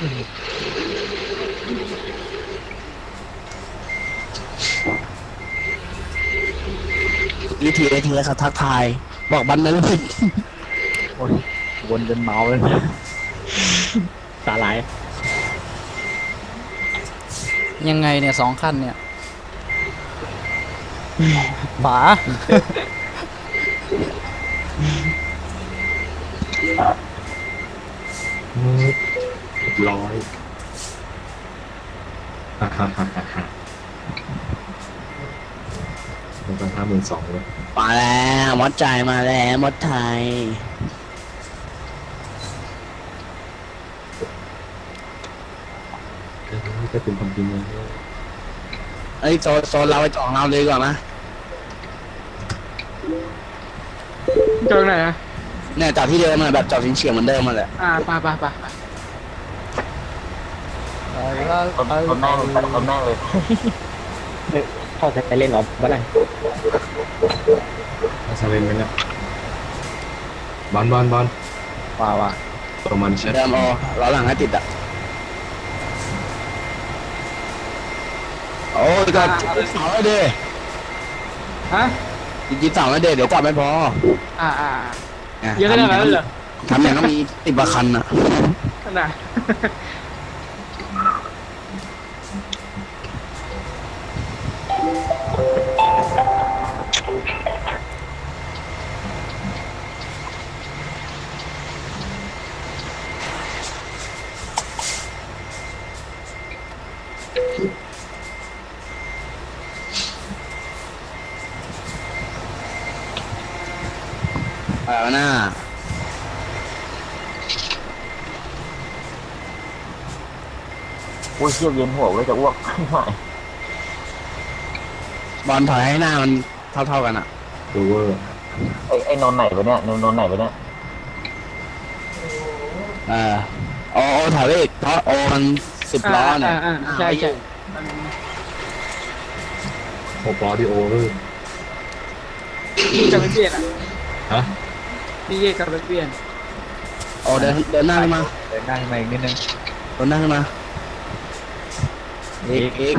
วิธีเขาทักทายบอกบันนั้นเลยโอ้ยวนจนเมาเลยสาหร่ายยังไงเนี่ย2 คันเนี่ยฝาร้อยฮ่าฮ่าฮ่าฮ่าฮ่ามันก็52,000เลยมาแล้วมดใจมาแล้วมดไทยก็เป็นความจริงเลยไอ้ยโซนเราไปจ่องเราเลยก่อนนะจอดไหนอะเนี่ยจอดที่เดิมอะแบบจอดเฉียงๆเหมือนเดิมมาแหละไปคนแม่งเลยพ่อจะไปเล่นหรอเมื่อไหร่อาซาเลนไปเนี่ยบอลว่าประมาณเช็ดเดิมเอาล้อหลังให้ติดอ่ะโอ้ยก็จิบเสาแล้วดิฮะจิบเสาแล้วดิเดี๋ยวจอดไม่พอ นี่เยอะขนาดนั้นเลยเหรอทำอย่างก็มี10 กว่าคันอ่ะขนาดหน้าอุ้ยเชี่ยวเย็นหัวเลยจะอ้วกไม่บอลถอยให้หน้ามันเท่ากันอ่ะดูเวอร์ไอ้นอนไหนวะเนี่ยนอนไหนวะเนี่ยโอถอยไปอีกเพราะโอมัน10 ล้อเนี่ยใช่ 6 ล้อที่โอเวอร์พี่จะไม่เปลี่ยนอ่ะฮะพี่เย่กับไม่เปลี่ยนโอเดินหน้าขึ้นมาเดินได้มาอีกนิดนึงเดินหน้าขึ้นมาอีกอีก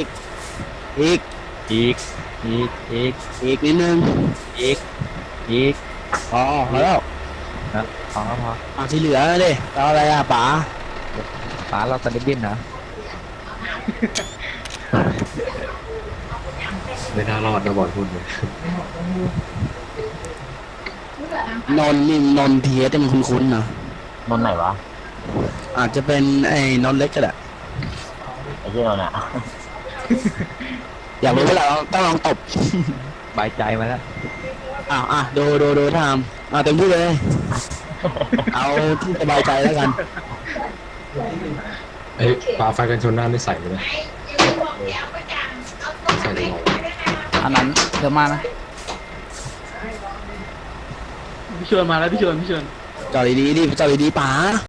นิดนึงอีกพอแล้วนะพอที่เหลือดิเราอะไรอ่ะป๋าป๋าเราตะลิบบินนะไม่น่ารอดนะบอลพูดเลยนนเทียแต่มันคุ้นๆนะนอนไหนวะอาจจะเป็นไอ้นนเล็กก็ได้ไอ้ที่นอนอ่ะอยากรู้เวลาเราต้องลองตบบายใจมาแล้วดูทำเต็มที่เลย เอาที่สบายใจแล้วกันเอ้ยปลาไฟกันชนหน้าไม่ใส่เลยนะใส่ได้หรออันนั้นเดี๋ยวมานะพี่ชวนมาแล้วพี่ชวนจอดดีๆดิจอดดีๆป๋า